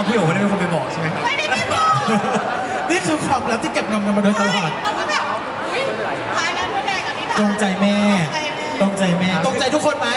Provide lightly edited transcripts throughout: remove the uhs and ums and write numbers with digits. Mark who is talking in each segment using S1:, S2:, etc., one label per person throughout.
S1: พี่โอ๋ไม่ได้เป็นคนไปบอกใช่ไหมครับ
S2: ไม่ได้เป็นบอก
S3: นี่คือความลับที่เก็บงำกันมาโดยตลอด
S2: เราก็แบบท้ายนั้นแดงกับนิทาน
S3: ตรงใจแม่ตรงใจแม่ตรงใจทุกคนไหม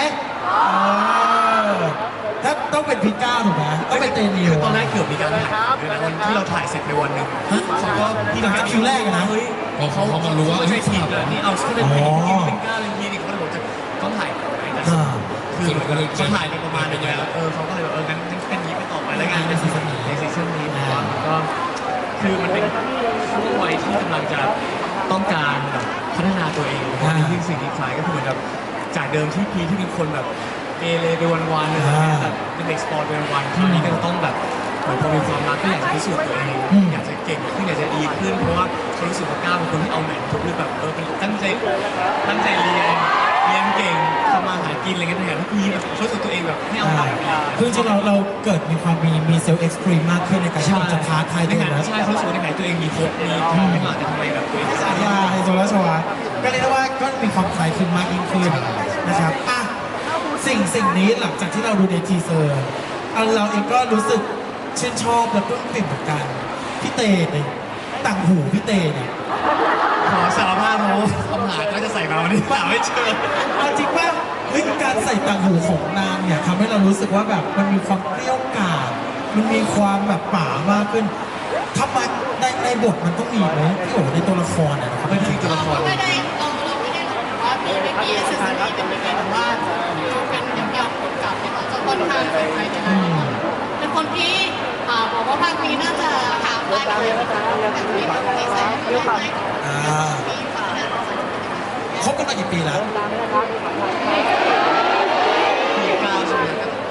S3: ถ้าต้องเป็นพีก้าถูกไหมต้องเป็นเตนิว
S1: คือตอนแรกเกือบมีการถ่ายด้วยนะวันที่เราถ่ายเสร็จในวันหนึ่งเขาก็พี่นัก
S3: คิวแรกนะ
S1: เฮ้ยเขามารู้ว่าไม่ใช่ทีมเลยนี่เอาแค่เป็นพีเป็นก้าเลยพี่นี่เขาเลยบอกจะต้องถ่ายคือเขาถ่ายไปประมาณนึงแล้วเขาก็เลยบอกงั้นเป็นนี้ไปต่อไปแล้วงานในซีซั่นนี้ก็คือมันเป็นช่วงวัยที่กำลังจะต้องการแบบพัฒนาตัวเองซึ่งสิ่งที่คล้ายก็คือเหมือนแบบจากเดิมที่พีที่เป็นคนแบบเกเรไปวันๆเลยแบบเป็นเด็กสปอร์ตไปวันๆที่นี้ก็จะต้องแบบเหมือนพอมีความรักก็อยากจะพิสูจน์ตัวเองอยากจะเก่งขึ้นอยากจะดีขึ้นเพราะว่าเขารู้สึกว่าก้าวเป็นคนที่เอาแหม่ทุกเรื่องแบบเป็นตั้งใจเรียนเก่งทำมาหากินอะไรเงี้ยแต่อย่างที่พีแบบช่วยตัวเองแบบไม่เอาไหน
S3: คือจริงเราเกิดมีความมีเซลล์เอ็กซ์ตรีมมากขึ้นในการที่เราจะท้าทายตัวเอง
S1: ใช่เขารู้สึกในไหนตัวเองมีครบมีทำไม่มาแต่ทำไมแบบตัวเอง
S3: ไฮโซและชวาก็เรียกได้ว่าก็มีความคล้ายคลึงมากยิ่งขึ้นนะครับสิ่งนี้หลังจากที่เราดูในทีเซอร์เราเองก็รู้สึกชื่นชอบและปลื้มปิ่มเหมือนกันพี่เตเนี่ยต่างหูพี่เตเนี่ย
S1: ขอสารภาพโน้คำหาก็จะใส่มาวันนี้เปล่าไม่เจอ
S3: จริงป่ะการใส่ต่างหูของนางเนี่ยทำให้เรารู้สึกว่าแบบมันมีความเกรี้ยวกราดมันมีความแบบป่ามากขึ้นทำไมในบทมันต้องมีไหมพี่โอ๋ในตัวละครนะครับ
S1: ไม่ใช่ตัวละคร
S2: ไม่ได้เราไม่ได้รู้ว่ามีเอสซีเป็นยังไงแต่ว่าเป็นยาวๆกับเขาจะค่อนข้างใส่ใจเป็นคนที่บอกว่าภาคนี้น่าจะหาลายอะไรแบบที่แบบนิสัยไม่ค่อย
S3: คบกันมากี่ปีแล้ว
S1: พีก้าใช่ไหม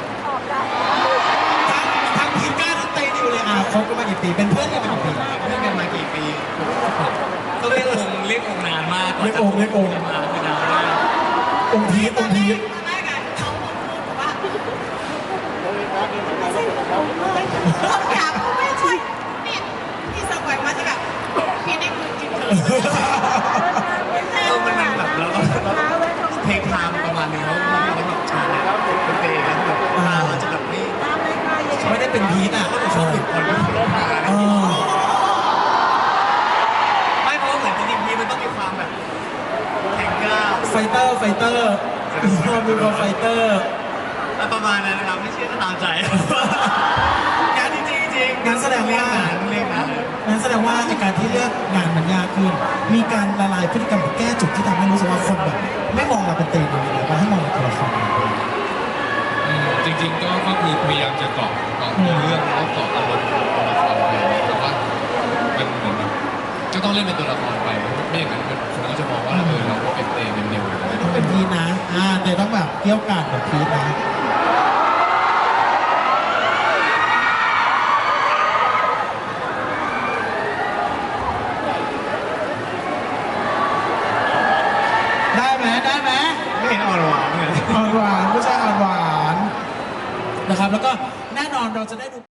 S3: ทั้งพีก้าทั้งเตนิวเลยคบกันมากี่ปีเป็นเพื่อนกันมากี่ปี
S1: เพื่อนกันมากี่ปีก็เรียกองนานมาก
S3: เรียกอง
S1: มาคือนานมาก
S3: องพีท
S2: อยากไม่ใช่นี่ที่สมัยมาจะแบบพี่ได้คือกิน
S1: มันแบบเราเพลงไทม์ประมาณนึงแล้วเราแบบชาเนี่ยเป็นเพลงแล้วแบบเราจะแบบ
S3: ไม่ได้เป็นพีท
S1: เขาฝึกคนไม่ฝึกมาไม่เพราะเหมือนจริงๆพีมันต้องมีความแบบแข่งก้าว
S3: ไฟเตอร์มีความไฟเตอร์
S1: ประมาณนั้นนะครับไม่เชื่อก็ตามใจงานจริง
S3: งั้นแสดงว่าในการที่เลือกงานมันยากขึ้นมีการละลายพฤติกรรมแก้จุดที่ทำให้รู้สึกว่าคนแบบไม่มองเราเป็นเตนิวเลยว่าให้มองเราเป็นตัวละคร
S4: จริงๆก็คือพยายามจะเกาะเรื่องแล้วเกาะอารมณ์ของตัวละครไปแต่ว่ามันเหมือนก็ต้องเล่นเป็นตัวละครไปไม่อย่างนั้นคนก็จะมองว่าเราก็เป็นเตเป็นเดียว
S3: ต้องเป็นพีนะแต่ต้องแบบเกี่ยวกาดแบบพีนะได้ไหม
S1: ไม่เห็นอ่อนหวานเลย
S3: อ่อนหวานผู้ชายอ่อนหวานนะครับแล้วก็แน่นอนเราจะได้ดู